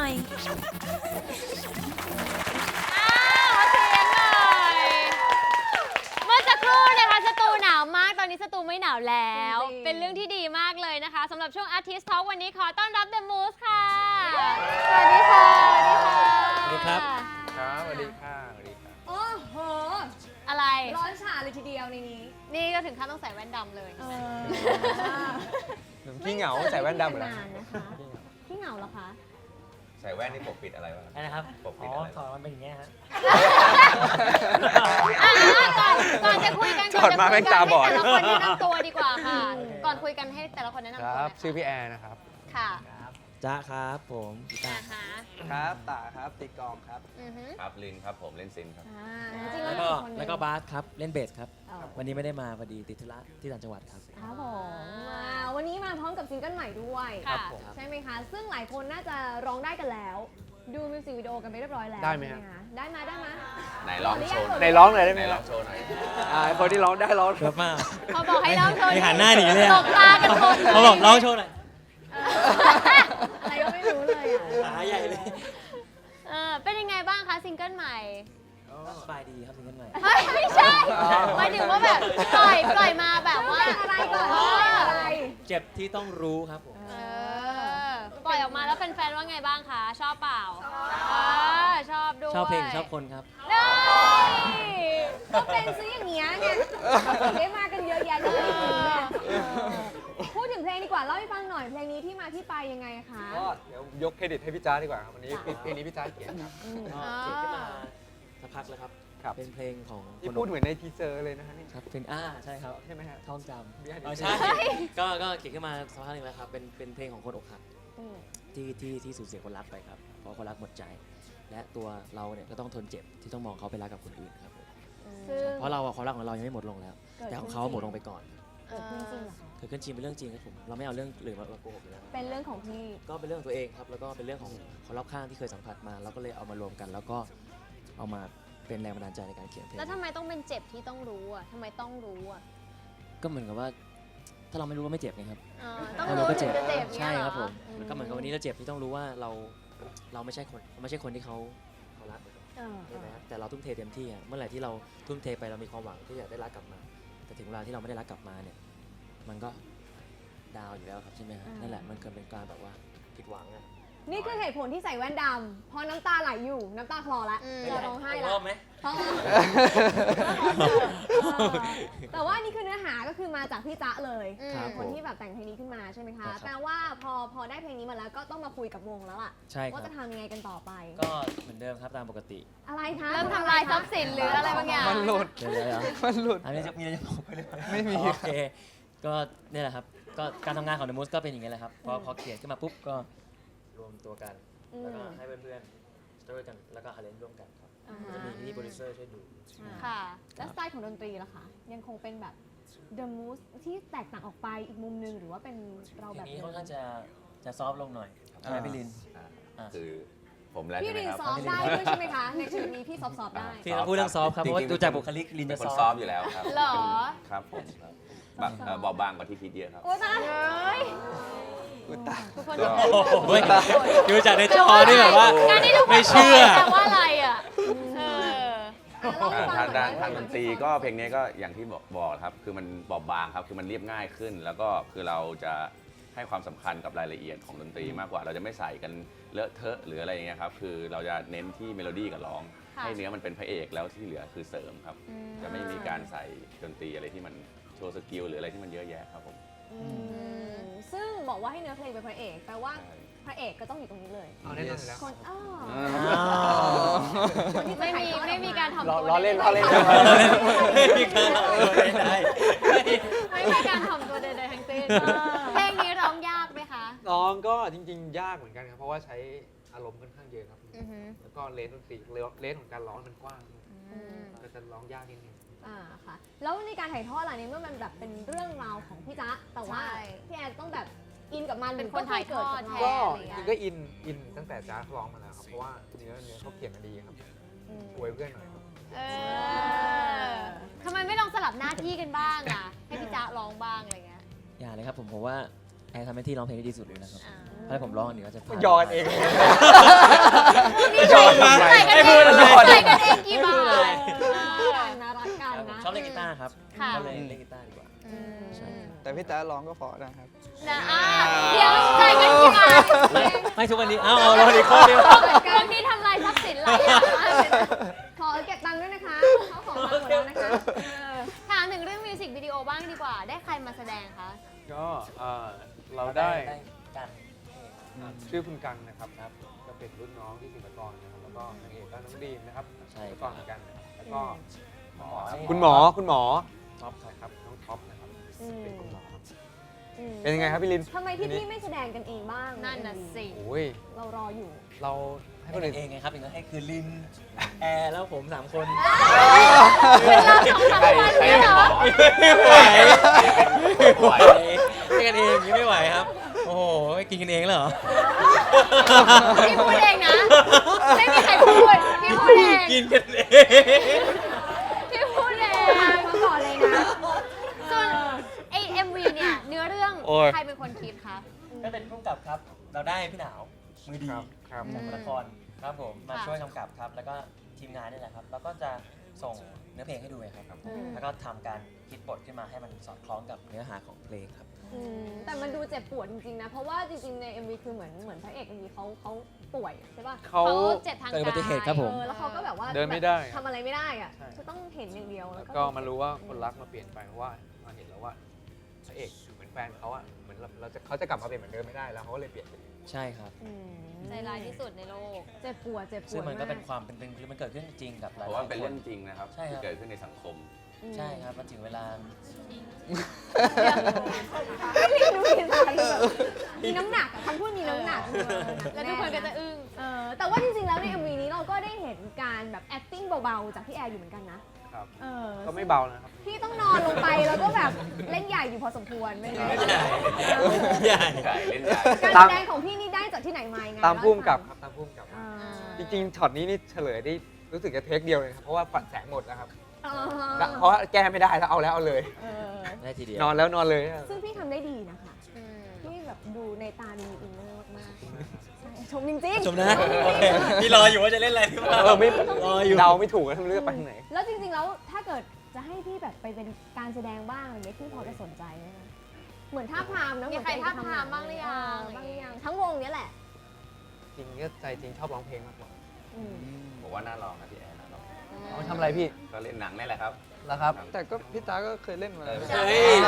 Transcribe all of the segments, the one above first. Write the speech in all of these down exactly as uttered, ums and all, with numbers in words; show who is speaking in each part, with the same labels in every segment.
Speaker 1: น่อย
Speaker 2: อ้าวขอเสียงหน่อยเมื่อสักครู่นะคะสตูหนาวมากตอนนี้สตูไม่หนาวแล้ว เป็นเรื่องที่ดีมากเลยนะคะสำหรับช่วง Artist Talk วันนี้ขอต้อนรับ The Moose ค่ะ สวัสดีค่ะ สวัสดีค่ะ
Speaker 3: สวัสดีครับ
Speaker 4: ครับสวัสดีค่ะสวัสดีค่ะ
Speaker 5: โอ้โห
Speaker 2: อะไร
Speaker 5: ร้อนฉาเลยทีเดียวในนี้
Speaker 2: นี่ก็ถึงขั้นต้องใส่แว่นดำเลย
Speaker 4: ขี้เหงาใส่แว่นดำเหรอ
Speaker 5: ไม่เจอกันนานนะคะพี่เหงาเหรอคะ
Speaker 6: ใส่แว่นนี่ปกปิดอะไรวะ
Speaker 3: อะไรนะครับ
Speaker 6: ปกปิ
Speaker 3: อ๋
Speaker 6: ด
Speaker 3: อ
Speaker 6: อะไร
Speaker 3: ถอดมันเป็นอย่างเงี้ยฮะ
Speaker 2: อ่ะก่อนก่อนจะคุยกัน
Speaker 4: ถอดมาแม่งตาบอด
Speaker 2: ให้แต่ละคนแนะนำตัวดีกว่าค่ะ ก่อนคุยกันให้แต่ละคนแนะนำ
Speaker 4: ค
Speaker 2: ตัว
Speaker 4: รับ
Speaker 2: หน่อย
Speaker 4: ชื่อพี่แอร์นะครับ
Speaker 2: ค่ะ
Speaker 3: จ้าครับผมกีตา
Speaker 2: อ่า
Speaker 3: ร์
Speaker 2: ฮะ
Speaker 4: ครับตาครับตีกองครับ
Speaker 2: อือฮึ
Speaker 6: ครับลินครับผมเล่นซินครับ
Speaker 5: อ่าจริงๆ
Speaker 3: แล้
Speaker 5: แล้ว ว
Speaker 3: ก็
Speaker 5: มีคนหนึ่ง
Speaker 3: แล้วก็บาสครับเล่นเบสครับ
Speaker 5: อ๋อ
Speaker 3: วันนี้ไม่ได้มาพอดีติดธุระที่ต่างจังหวัดครับ
Speaker 5: ครับผมอ่าวันนี้มาพร้อมกับซิงเกิลใหม่ด้วย
Speaker 2: ค่ะ
Speaker 4: ผม
Speaker 5: ใช่ไหมคะ ซึ่งหลายคนน่าจะร้องได้กันแล้ว ดูมิวสิกวิดีโอกันไปเรียบร้อยแล้ว
Speaker 4: ได้ไหมฮะ
Speaker 5: ใช่คะได้ไหมได้ไหม
Speaker 6: ไหนลองโชว์หน่อย
Speaker 4: ในร้องหน่อยได้ไห
Speaker 6: ไห
Speaker 4: ม
Speaker 6: น
Speaker 4: ค
Speaker 6: ล
Speaker 4: รั
Speaker 6: อบ งโชว์หน่อย
Speaker 4: อ่าคนที่ร้องได้ร้อง
Speaker 3: เยอะมาก
Speaker 2: พอบอกให้ร้องโชว์
Speaker 3: มีหันหน้าหนีเลยอะ
Speaker 2: ตกตากันหมดเลย
Speaker 3: เขาบอกร้องโชว์หน่อย
Speaker 5: อะไรก็ไม่รู้เลยอ่ะ
Speaker 3: หาใหญ่เลย
Speaker 2: เออเป็นยังไงบ้างคะซิงเกิลใหม่
Speaker 3: สบายดีครับซิงเกิลใหม่
Speaker 2: เฮ้ยไม่ใช่หมายถึงว่าแบบปล่อยปล่อยมาแบบว่า
Speaker 5: เป็นอะไรก่อน
Speaker 2: เอ
Speaker 5: เป็น
Speaker 2: อ
Speaker 5: อะไร
Speaker 3: เจ็บที่ต้องรู้ครับผม
Speaker 2: เออปล่อยออกมาแล้วแฟนๆว่าไงบ้างคะชอบเปล่าเออชอบด้วย
Speaker 3: ชอบเพลงชอบคนครับ
Speaker 2: เฮ้ย
Speaker 5: ก็เป็นซื้ออย่างเงี้ยไงถึงได้มากันเยอะแยะเลยพูดถึงเพลงดีกว่าเล่าให้ฟังหน่อยเพลงนี้ที่มาที่ไปยังไงคะ
Speaker 4: ก็เดี๋ยวยกเครดิตให้พี่จ้าดีกว่าครับวันนี้เพลงนี้พี่จ้าเขียนครับ
Speaker 3: ก็เขียนขึ้นมาสักพักแล้วครับ
Speaker 4: ครับ
Speaker 3: เป็นเพลงของ
Speaker 4: ที่
Speaker 3: คน
Speaker 4: พูดเหมือนในทีเซอร์เลยนะฮะนี่
Speaker 3: ครับเพลงอ่าใช่ครับ
Speaker 4: ใช่ไหมฮะ
Speaker 3: ท่องจ
Speaker 4: ไม่ได้
Speaker 3: ำอ๋อใช่ ก็ก็เขียนขึ้นมาสักพักหนึงแล้วครับ เป็นเป็นเพลงของคนอกหัก
Speaker 5: อืม
Speaker 3: ที่ที่ที่สูญเสียคนรักไปครับ เพราะคนรักหมดใจ และตัวเราเนี่ยก็ต้องทนเจ็บที่ต้องมองเขาไปรักกับคนอื่นครับผม
Speaker 5: ซึ่ง
Speaker 3: เพราะเราอะความรักของเรายังไม่หมดลงแล้ว
Speaker 5: เกิด
Speaker 3: แต่ของ
Speaker 5: ขึ้น
Speaker 3: เขา
Speaker 5: จริง
Speaker 3: หมดลงไปก่อน
Speaker 5: เกิดขึ้นจริงเหรอคะ
Speaker 3: เกิดขึ้นจริงเป็นเรื่องจริงครับผม เราไม่เอาเรื่องหรือมาโกหกอยู่แล้ว
Speaker 5: เป็นเรื่องของพี่
Speaker 3: ก็เป็นเรื่องของตัวเองครับ แล้วก็เป็นเรื่องของคนรอบข้างที่เคยสัมผัสมา เราก็เลยเอามารวมกัน แล้วก็เอามาเป็นแรงบันดาลใจในการเขียนเพลง
Speaker 2: แล้วทำไมต้องเป็นเจ็บที่ต้องรู้อ่ะทำไมต้องรู้อ่ะ
Speaker 3: ก็เหมือนกับว่า ถ้าเราไม่รู้ว่าไม่เจ็บไงครับ
Speaker 2: เออต้อง
Speaker 3: ถ้าเรา
Speaker 2: รู้
Speaker 3: ก็
Speaker 2: ถึ
Speaker 3: เจ็
Speaker 2: ง
Speaker 3: บ
Speaker 2: จะเจ็บเนี่ย
Speaker 3: ใช่
Speaker 2: เหรอ
Speaker 3: ครับผมมันก็เหมือนกับวันนี้เราเจ็บที่ต้องรู้ว่าเราเราไม่ใช่คนเราไม่ใช่คนที่เขาเขารัก
Speaker 5: เออ
Speaker 3: ใช่ไหมแต่เราทุ่มเทเต็มที่อะเมื่อไหร่ที่เราทุ่มเทไปเรามีความหวังที่อยากได้รักกลับมา แต่ถึงเวลาที่เราไม่ได้รักกลับมาเนี่ย มันก็ดาวอยู่แล้วครับใช่ไหมฮะนั่นแหละมันเกิดเป็นการแบบว่าผิดหวังอะ
Speaker 5: นี่คือเหตุผลที่ใส่แว่นดำเพราะน้ำตาไหลอยู่น้ำตาคลอแล้ว
Speaker 2: อืม
Speaker 5: จะร้องไห้
Speaker 3: อีก
Speaker 5: แล้
Speaker 3: ร
Speaker 5: ว
Speaker 3: อบไหม
Speaker 5: ท้องแต่ว่านี่คือเนื้อหาก็คือมาจากพี่จ๊ะเลย
Speaker 2: อืม
Speaker 3: ครับ
Speaker 5: คนที่แบบแต่งเพลงนี้ขึ้นมาใช่ไหม
Speaker 3: ครั
Speaker 5: คะ
Speaker 3: บ
Speaker 5: แปลว่าพอพอได้เพลงนี้มาแล้วก็ต้องมาคุยกับวงแล้วล่ะ
Speaker 3: ใช่ค
Speaker 5: ว่า
Speaker 3: รับ
Speaker 5: จะทำยังไงกันต่อไป
Speaker 3: ก็เหมือนเดิมครับตามปกติ
Speaker 5: อะไรคะ
Speaker 2: เริ่มทำลายทรัพย์สินหรืออะไรบางอย่าง
Speaker 4: มันหลุด
Speaker 3: เดี๋ยวเดี๋ยวเดี๋ยว
Speaker 4: มันหลุด
Speaker 3: อันนี้จะมีอะไรจะบอกไปเลย
Speaker 4: ไม่มี
Speaker 3: โอเค ก็เนี่ยแหละครับ ก็การทำงานของ The Moose ก็เป็นอย่างนี้แหละครับ พอพอเขียนขึ้นมาปุ๊บก็รวมตัวกัน
Speaker 5: อืม
Speaker 3: แล้วก็ให้เพื่อนๆช่วยกัน แล้วก็อาเลนร่วมกันครับ
Speaker 5: อ่า
Speaker 3: จะมีพี่โปรดิวเซอร์ช่วยดู
Speaker 2: ค่ะ
Speaker 5: แล้วสไตล์ของดนตรีล่ะคะยังคงเป็นแบบ The Moose ที่แตกต่างออกไปอีกมุมหนึงหรือว่าเป็นเรา
Speaker 3: ที
Speaker 5: แบบ
Speaker 3: นี้ค่อนข้างจะจะซอฟต์ลงหน่อยใช่ไหมพี่ลิน
Speaker 6: อ่า
Speaker 3: อ่ะ
Speaker 6: คือผมแล้ว
Speaker 5: พี่
Speaker 6: ใช่ไหม
Speaker 5: ริน
Speaker 6: ครับ
Speaker 5: ซ้อมได้ด้วยใช่ไหมคะในชีวิตนี้พี่ซอฟต์ๆได้
Speaker 3: พี่ต้องพูดเรื่องซอฟต์ครับเพราะว่า
Speaker 6: จงๆ
Speaker 3: ดูจากบุคลิกลิน
Speaker 6: เป็
Speaker 3: จะ
Speaker 6: นคน
Speaker 3: ซอฟ
Speaker 6: ซอฟ
Speaker 3: ต์
Speaker 6: ต์อยู่แล้วครับ
Speaker 2: เหรอ
Speaker 6: ครับผมครับบางเอ่อเบาบางกว่าที่คิดเยอะครับ
Speaker 5: โอ้ตาย
Speaker 2: เฮ้ย
Speaker 4: อุยตาย
Speaker 2: ทุกคน
Speaker 6: ก็
Speaker 3: โอ้โหเว้ยดูจากในจอนี่แบบว่า
Speaker 2: การที่ทุกคน
Speaker 3: ไม่เชื่อ
Speaker 2: แปลว่าอะไรอ่ะเออ
Speaker 6: อ่าทางด้านทางดนตรีก็เพลงนี้ก็อย่างที่บอกบอกครับ คือมันบอบบางครับ คือมันเรียบง่ายขึ้น แล้วก็คือเราจะให้ความสำคัญกับรายละเอียดของดนตรีมากกว่า เราจะไม่ใส่กันเลอะเทอะหรืออะไรอย่างเงี้ยครับ คือเราจะเน้นที่เมโลดี้กับร้อง
Speaker 2: ค่ะ
Speaker 6: ให้เนื้อมันเป็นพระเอกแล้วที่เหลือคือเสริมครับ
Speaker 2: อืม
Speaker 6: จะไม่มีการใส่ดนตรีอะไรที่มันโชว์สกิลหรืออะไรที่มันเยอะแยะครับผม
Speaker 5: อืมซึ่งบอกว่าให้เนื้อเพลงเป็นพระเอกแปลว่าพระเอกก็ต้องอยู่ตรงนี้เลย
Speaker 4: เอาแน่นอนอยู่แล้ว
Speaker 5: คนอ้อ
Speaker 3: อ้าว
Speaker 5: คนที่จะ
Speaker 2: ไม่
Speaker 5: ถ่าย
Speaker 2: มี
Speaker 5: ทอดออก
Speaker 2: ไม่มีการทำ
Speaker 4: ล้อ
Speaker 2: ตัว
Speaker 4: ล้อเล่น
Speaker 2: ใดๆ
Speaker 4: ล้อเล่น
Speaker 3: ไม่มีการไม่ได้
Speaker 2: ไม่มีการทำตัวใดๆทั้งสิ้นเพลงนี้ร้องยากไหมคะ
Speaker 4: ร้องก็จริง ๆ ยากเหมือนกันครับ เพราะว่าใช้อารมณ์ค่อนข้างเยอะครับ
Speaker 2: อือฮึ
Speaker 4: แล้วก็เลนส์ดนตรีเลนส์ของการร้องมันกว้าง
Speaker 2: อืม
Speaker 4: ก็จะร้องยากนิดนึง
Speaker 5: อ่าค่ะ แล้วในการถ่ายทอดอะไรนี้เมื่อมันแบบเป็นเรื่องราวของพี่จ๊ะแต่ว่า
Speaker 2: ใช่
Speaker 5: พี่แอนต้องแบบอินกับมัน
Speaker 2: เป็นคนถ่ายทอดแท
Speaker 4: ก็
Speaker 2: อะไร
Speaker 4: จ
Speaker 2: เงี้ย
Speaker 4: ริงๆก็อินอินตั้งแต่จ้าร้องมาแล้วครับ เพราะว่าเนื้อเนื้อเขาเขียนมาดีครับ
Speaker 5: อืม
Speaker 4: อวยเพื่อนหน่อยครับ
Speaker 2: เออทำไมไม่ลองสลับหน้าที่กันบ้างอ่ะ ให้พี่จ๊ะร้องบ้างอะไรเงี้ย
Speaker 3: อย่าเลยครับผมผมว่าแอร์ทำหน้าที่ร้องเพลงได้ดีสุดเลยนะครับ
Speaker 2: อ่า
Speaker 3: ถ้าผมร้องอันนี้ก็จะพลาด
Speaker 4: ยอนเอง
Speaker 2: นี่ใส่ใส่กันเองใส่กันเองกี่บาท
Speaker 5: น่ารักกัน
Speaker 3: ครับผม
Speaker 5: นะ
Speaker 3: ชอบเล่นกีตาร์ครับ
Speaker 2: ค่ะ
Speaker 3: ก็เลยเล่นกีตาร์ดีกว่า
Speaker 2: อืม
Speaker 3: ใช่
Speaker 1: แต่พี่ตาร้องก็เพอนะครับ
Speaker 2: นะอ่ะเดี๋ยวใส่กันกี่บาท
Speaker 3: ไม่ทุกวันนี้ เอ้าเอาเราอีกข้อเดียว
Speaker 2: เรื่องนี้ทำลายทรัพย์สินหลายอย่างมากเลยนะ
Speaker 5: ขอเก็บตังค์ด้วยนะคะเขาของมาหมดแล้วนะคะเออ
Speaker 2: ถามถึงเรื่องมิวสิกวิดีโอบ้างดีกว่า ได้ใครมาแสดงคะ
Speaker 7: ก็เอ่อเราได้
Speaker 3: กัน
Speaker 7: อ่าชื่อคุณกังนะครับก็เป็นรุ่นน้องที่ศิลปากรนะครับแล้วก็นางเอกก็น้องดีมนะครับ
Speaker 3: ใช่
Speaker 7: ศิล
Speaker 3: ค
Speaker 7: ปา
Speaker 3: รั
Speaker 7: ก
Speaker 3: บ
Speaker 7: รเหมือนกันนะครับแล้วก็หมอ
Speaker 4: คุณหมอคุณหมอ
Speaker 7: ท็อปนะครับน้องท็อปนะครับ
Speaker 5: อืม
Speaker 7: เป็นคุณหมอครับ
Speaker 5: อืม
Speaker 4: เป็นยังไงครับพี่ลิน
Speaker 5: ทำไมพี่พี่ไม่แสดงกันเองบ้าง
Speaker 2: นั่นน่ะสิ
Speaker 4: โอ้ย
Speaker 5: เรารออยู่
Speaker 4: เราให้
Speaker 3: ให้
Speaker 4: คน
Speaker 3: คน
Speaker 4: อื่น
Speaker 3: เองไงครับอย่างนั้นให้คือลิน แอร์แล้วผมสามคน
Speaker 2: เป็นเราสองสามวันเนี่ยเหรอ
Speaker 3: ไม่ไหว
Speaker 6: ไม่ไหว
Speaker 3: ให้กันเองอย่างนี้ไม่ไหวครับ โอ้โหกินกันเองแล้วเหรอ
Speaker 2: พี่พูดเองนะ ไม่มีใครพูด พี่พูดเอง
Speaker 3: กินกันเอง
Speaker 2: พี่พูดเอง
Speaker 5: มาก่อนเลยนะ
Speaker 2: ส่วนไอเอ็มวีเนี่ย เนื้อเรื่อง
Speaker 4: โอ้ย
Speaker 2: ใครเป็นคนคิดคะ
Speaker 3: ก็เป็นผู้กำกับครับ เราได้พี่หนาวมือดี
Speaker 7: ครับครับ
Speaker 3: จากละครครับผมมา
Speaker 2: ค่ะ
Speaker 3: ช่วยกำกับครับ แล้วก็ทีมงานนี่แหละครับ แล้วก็จะส่งเนื้อเพลงให้ดูเลยครับ
Speaker 2: อืม
Speaker 3: แล้วก็ทำการคิดบทขึ้นมาให้มันสอดคล้องกับเนื้อหาของเพลงครับ
Speaker 5: อืมแต่มันดูเจ็บปวดจริงๆนะ เพราะว่าจริงๆใน เอ็ม วี คือเหมือนเหมือนพระเอก เอ็ม วี เขาเขาป่วยใช่ป่ะ
Speaker 4: เขา
Speaker 2: เขาเจ็บทาง
Speaker 3: เกิดอุบัติเหตุครับผม
Speaker 5: เออแล้วเขาก็แบบว่า
Speaker 7: เดินไม่ได้
Speaker 5: แบบทำอะไรไม่ได้อะ
Speaker 7: ใช่
Speaker 5: จะต้องเห็นอย่างเดียว
Speaker 7: แล้
Speaker 5: แล้ว ว
Speaker 7: ก็มารู้ว่าคนรักมาเปลี่ยนไปเพราะว่ามาเห็นแล้วว่าพระเอกเหมือนแฟนเขาอะเหมือนเราเราจะเขาจะกลับมาเป็นเหมือนเดิมไม่ได้แล้วเขาก็เลยเปลี่ยนไป
Speaker 3: ใช่ครับ
Speaker 5: อืม
Speaker 2: ใจร้ายที่สุดในโลก
Speaker 5: เจ็บปวดเจ็บปวด
Speaker 3: ซึ่งมันก็เป็น
Speaker 5: าก
Speaker 3: ความเป็นเป็นมันเกิดขึ้นจริงกับห
Speaker 6: เพ
Speaker 3: ลาย
Speaker 6: ราะ
Speaker 3: ๆ
Speaker 6: ว่าเป็น
Speaker 3: ค
Speaker 6: เรื่
Speaker 3: น
Speaker 6: องจริงนะครับ
Speaker 3: ใช่ครับ
Speaker 6: ที่เกิดขึ้นในสังคม
Speaker 5: อืม
Speaker 3: ใช่ครับมันถึงเวลา
Speaker 5: ไม่มีดูมีสารแบบมีน้ำหนักอะคำพูดมีน้ำหนัก
Speaker 2: แล้วทุกคนก็จะอึ้ง
Speaker 5: เออแต่ว่าจริงๆแล้วใน เอ็ม วี นี้เราก็ได้เห็นการแบบ acting เบาๆจากพี่แอร์อยู่เหมือนกันนะครับ เออ
Speaker 7: ก็ไม่เบานะครับ
Speaker 5: พี่ต้องนอนลงไปแล้วก็แบบเล่นใหญ่อยู่พอสมควรไม่ไง
Speaker 3: ใหญ่
Speaker 6: ใหญ่เล่นใหญ่
Speaker 5: การแสดงของพี่นี่ได้จากที่ไหนมายังไง
Speaker 4: ตามพุ่มกับ
Speaker 5: เล่
Speaker 4: ครับตามพุ่มกับ
Speaker 5: ให้ฟังอ่า
Speaker 4: จริงๆช็อตนี้นี่เฉลยได้รู้สึกจะเทคเดียวเลยครับเพราะว่าฝันแสงหมดนะครับ
Speaker 5: อ่า
Speaker 4: เพราะว่าแก้ไม่ได้แล้วเอาแล้วเอาเลย
Speaker 5: เออ
Speaker 3: ได้ทีเดียวน
Speaker 4: อนแล้วนอนเลย
Speaker 5: ซึ่งพี่ทำได้ดีนะคะ
Speaker 2: อืม
Speaker 5: พี่แบบดูในตาดูมีอินเนอร์มากๆใช่ชมจริงๆ
Speaker 3: ชมนะโอเคพี่รออยู่ว่าจะเล่นอะไรพี่ว่า
Speaker 4: เออไม่
Speaker 3: รออยู่
Speaker 4: เดาไม่ถูกแล้วไม่รู้จะไปทางไหน
Speaker 5: แล้วจริงๆแล้วถ้าเกิดจะให้พี่แบบไปเป็นการแสดงบ้างอะไรเงี้ยพี่พอจะสนใจไหมคะเหมือนท่าพรามนะ
Speaker 2: มีใครท่าพรามบ้างหรือยัง
Speaker 5: เบ้างหรือยังทั้งวงเนี้ยแหละ
Speaker 4: จริงก็ใจจริงชอบร้องเพลงมากกว่า
Speaker 5: อืม
Speaker 6: บอกว่าน่าลองนะพี่แอนน่าลอง
Speaker 4: เอาทำอะไรพี่
Speaker 6: ก็เล่นหนังนี่แหละครับ
Speaker 4: แล้วครับ
Speaker 1: แต่ก็พี่ตาก็เคยเล่นมาแล้ว
Speaker 3: เฮ้ย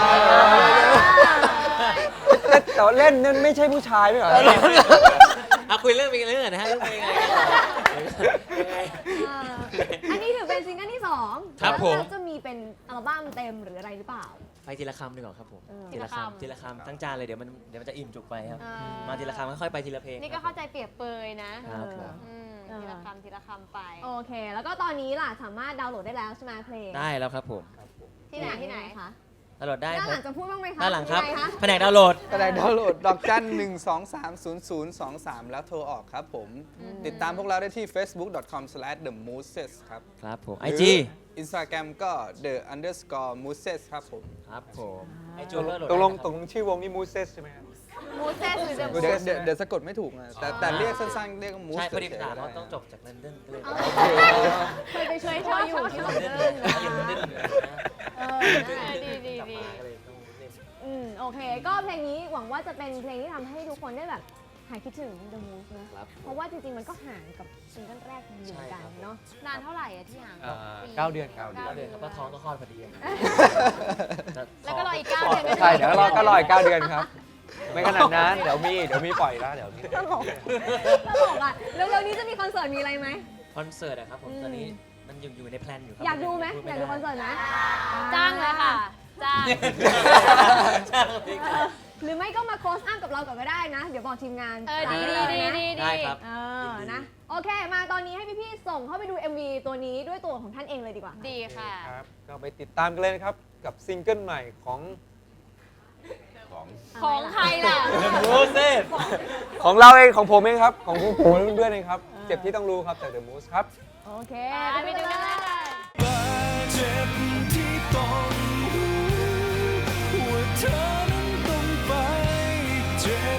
Speaker 4: แต่ว่าเล่นนั่นไม่ใช่ผู้ชายไม่เหรอ
Speaker 3: เอาคุยเรื่องเพลงเรื่องอื่นนะฮะเรื่องเพลงอะไรยังไง
Speaker 5: อ่าอันนี้ถือเป็นซิงเกิลที่สอง
Speaker 3: ครับ
Speaker 5: แล้ว
Speaker 3: ผม
Speaker 5: เราจะมีเป็นอัลบั้มเต็มหรืออะไรหรือเปล่า
Speaker 3: ไปทีละคำดีกว่าครับผม
Speaker 5: เออ
Speaker 3: ทีละคำทีละคำทั้งจานเลยเดี๋ยวมันเดี๋ยวมันจะอิ่มจุกไปครับ
Speaker 2: อ่
Speaker 3: มาทีละคำค่อยๆไปทีละเพลง
Speaker 2: นี่ก็เข้าใจเปรียบเปยนะ
Speaker 3: ครับผม
Speaker 2: อืม
Speaker 5: เออ
Speaker 2: ทีละคำทีละคำไป
Speaker 5: โอเค แล้วก็ตอนนี้ล่ะสามารถดาวน์โหลดได้แล้วใช่ไหมเพลง
Speaker 3: ได้แล้วครับผม
Speaker 2: ที่ไหนที่ไหน
Speaker 5: คะ
Speaker 3: ดาวน์โหลดได้
Speaker 5: ด้าน
Speaker 3: ค
Speaker 5: ห
Speaker 3: รั
Speaker 5: ลั
Speaker 3: บ
Speaker 5: งจะพูดบ้างไหมคะ
Speaker 3: ด้านหลังครับ
Speaker 5: ยังไคะ
Speaker 3: แผนกดาวน์โหลด
Speaker 1: ก็ได้ดาวน์โหลดดอกจันหนึ่งสองสามศูนย์ศูนย์สองสามแล้วโทรออกครับผม ติดตามพวกเราได้ที่ เฟซบุ๊ก ดอท คอม สแลช เดอะมูสเซส ครับ
Speaker 3: ครับผม
Speaker 1: ห
Speaker 3: ไอ
Speaker 1: รือ
Speaker 3: จี
Speaker 1: Instagram ก็ the underscore mooses ครับผม
Speaker 3: ครับผมไอจูก็โหลด
Speaker 4: ตกลง
Speaker 3: ได้
Speaker 4: ตกลงชื่อวงนี่มูเซสใช่ไหมครับ
Speaker 2: มูเซสหรือเดอะมู
Speaker 1: เดี๋ยว
Speaker 2: ส
Speaker 1: เดี๋ยวเดี๋ยวสะกดไม่ถูกนะแต่แต่เรียกสั้นๆ เรียกว่ามูส
Speaker 3: ใช่พอดี
Speaker 1: เฉย
Speaker 3: ถาม
Speaker 1: ๆ
Speaker 3: ว่า
Speaker 1: ได้
Speaker 3: ต้องจบจากลอนดอนก็เลย
Speaker 5: เคยไปช่วยเธออยู่ที่ลอน
Speaker 3: เล่น
Speaker 5: ดอน
Speaker 3: นะอยู่ลอนดอน
Speaker 5: เออ
Speaker 2: ดีดีดี
Speaker 3: ก็เลยต้องเล่น
Speaker 5: อืมโอเค ก็เพลงนี้หวังว่าจะเป็นเพลงที่ทำให้ทุกคนได้แบบหายคิดถึง The Moose นะ
Speaker 3: ครับ
Speaker 5: เพราะว่าจริงๆ มันก็ห่างกับซิงเกิลแรกอยู่เหมือนกันเนาะ
Speaker 2: นานเท่าไหร่อะที่ห่าง
Speaker 4: อ่า
Speaker 2: ปี
Speaker 4: เก้าเดือนครับ
Speaker 3: เก้าเดือนครับก็ท้องก็คลอดพอดี
Speaker 2: แล้วก็รออีกเก้าเดือนก็
Speaker 4: ใช่เดี๋ยวรอก็รออีกเก้าเดือนครับ ไม่ขนาดนั้นเดี๋ยวมีเดี๋ยวมีปล่อยแล้วเดี๋ยวมี
Speaker 5: ตลกตลกอ่ะแล้วเร็วๆนี้จะมีคอนเสิร์ตมีอะไรไหม
Speaker 3: คอนเสิร์ตอะครับผม
Speaker 5: อืม
Speaker 3: ตอนนี้มันอยู่อยู่ในแพลนอยู่ครั
Speaker 5: อยากดูไหม
Speaker 3: พู
Speaker 5: อยากดูคอนเสิร์ตไหม
Speaker 2: จ้างเลยค่ะ จ้าง
Speaker 3: จ้างพี่
Speaker 5: เออหรือไม่ก็มาโคสอัพกับเราก่อนก็ได้นะ เดี๋ยวบอกทีมงาน
Speaker 2: เออดีดีดีดี
Speaker 3: ได้ครับ
Speaker 5: เออนะ โอเค มาตอนนี้ให้พี่ๆ ส่งเข้าไปดู เอ็ม วี ตัวนี้ด้วยตัวของท่านเองเลยดีกว่า
Speaker 2: ดีค่ะ
Speaker 4: ครับ ก็ไปติดตามกันเลยนะครับ กับซิงเกิลใหม่ของ
Speaker 6: ของ
Speaker 2: ของใครล่ะ
Speaker 3: โมเสส
Speaker 4: ของเราเองของผมเองครับ ของผมผมเพื่อนๆเองครับ เจ็บที่ต้องรู้ครับจาก The Moose ครับ
Speaker 5: โอเค
Speaker 2: ไปดูกันเลย
Speaker 8: บาดเจ็บที่ต้องรู้ว่าเธอนั้นต้องไป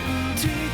Speaker 8: ที่